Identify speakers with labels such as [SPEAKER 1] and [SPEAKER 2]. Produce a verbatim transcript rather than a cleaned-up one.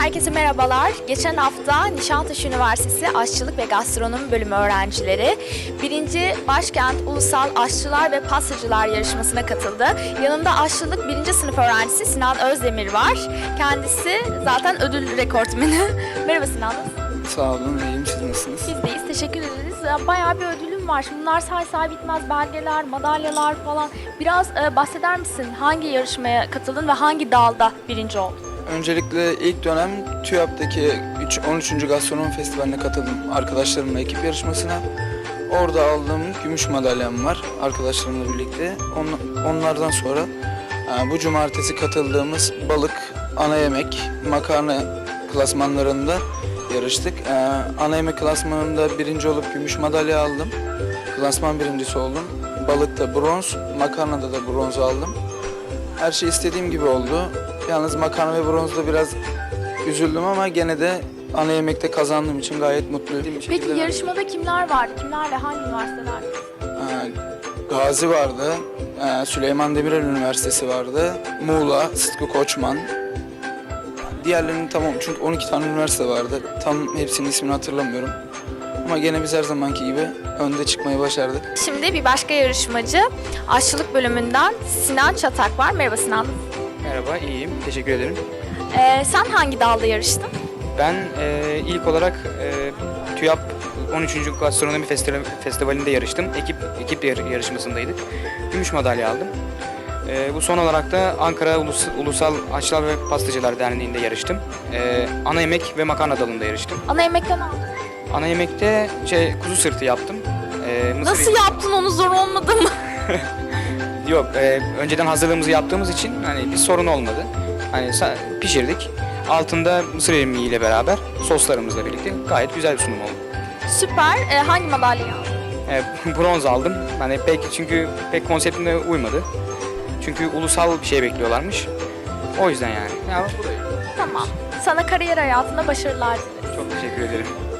[SPEAKER 1] Herkese merhabalar. Geçen hafta Nişantaşı Üniversitesi Aşçılık ve Gastronomi Bölümü öğrencileri birinci Başkent Ulusal Aşçılar ve Pastacılar yarışmasına katıldı. Yanında aşçılık birinci sınıf öğrencisi Sinan Özdemir var. Kendisi zaten ödül rekortmeni. Merhaba Sinan.
[SPEAKER 2] Sağ olun, iyiyim. Siz nasılsınız?
[SPEAKER 1] Biz deyiz, teşekkür ederiz. Bayağı bir ödülüm var. Şimdi bunlar say say bitmez, belgeler, madalyalar falan. Biraz e, bahseder misin? Hangi yarışmaya katıldın ve hangi dalda birinci oldun?
[SPEAKER 2] Öncelikle ilk dönem TÜYAP'taki on üçüncü Gastronomi Festivali'ne katıldım arkadaşlarımla, ekip yarışmasına. Orada aldığım gümüş madalyam var arkadaşlarımla birlikte. On, onlardan sonra e, bu cumartesi katıldığımız balık, ana yemek, makarna klasmanlarında yarıştık. E, ana yemek klasmanında birinci olup gümüş madalya aldım. Klasman birincisi oldum. Balıkta bronz, makarnada da bronz aldım. Her şey istediğim gibi oldu. Yalnız makarna ve bronzda biraz üzüldüm ama gene de ana yemekte kazandığım için gayet mutluyum.
[SPEAKER 1] Peki yarışmada kimler vardı? Kimler ve hangi üniversiteler?
[SPEAKER 2] Ee, Gazi vardı, ee, Süleyman Demirel Üniversitesi vardı, Muğla, Sıtkı Koçman. Diğerlerinin tamam çünkü on iki tane üniversite vardı. Tam hepsinin ismini hatırlamıyorum. Ama gene biz her zamanki gibi önde çıkmayı başardık.
[SPEAKER 1] Şimdi bir başka yarışmacı aşçılık bölümünden Sinan Çatak var. Merhaba Sinan.
[SPEAKER 3] Merhaba, iyiyim. Teşekkür ederim.
[SPEAKER 1] Ee, sen hangi dalda yarıştın?
[SPEAKER 3] Ben e, ilk olarak e, TÜYAP on üçüncü Gastronomi Festivali- Festivali'nde yarıştım. Ekip ekip yar- yarışmasındaydık. Gümüş madalya aldım. E, bu son olarak da Ankara Ulus- Ulusal Aşçılar ve Pastacılar Derneği'nde yarıştım. E, ana yemek ve makarna dalında yarıştım.
[SPEAKER 1] Ana yemekten aldın.
[SPEAKER 3] Ana yemekte şey kuzu sırtı yaptım. E, mısır
[SPEAKER 1] Nasıl yaptın onu, zor olmadı mı?
[SPEAKER 3] Yok, e, önceden hazırlığımızı yaptığımız için hani bir sorun olmadı. Hani sa- pişirdik. Altında mısır irmiğiyle beraber soslarımızla birlikte gayet güzel bir sunum oldu.
[SPEAKER 1] Süper. Ee, hangi madalyayı aldın?
[SPEAKER 3] E, bronz aldım. Hani pek çünkü pek konseptime uymadı. Çünkü ulusal bir şey bekliyorlarmış. O yüzden yani. Ya, bu da iyi.
[SPEAKER 1] Tamam. Sana kariyer hayatında başarılar dileriz.
[SPEAKER 3] Çok teşekkür ederim.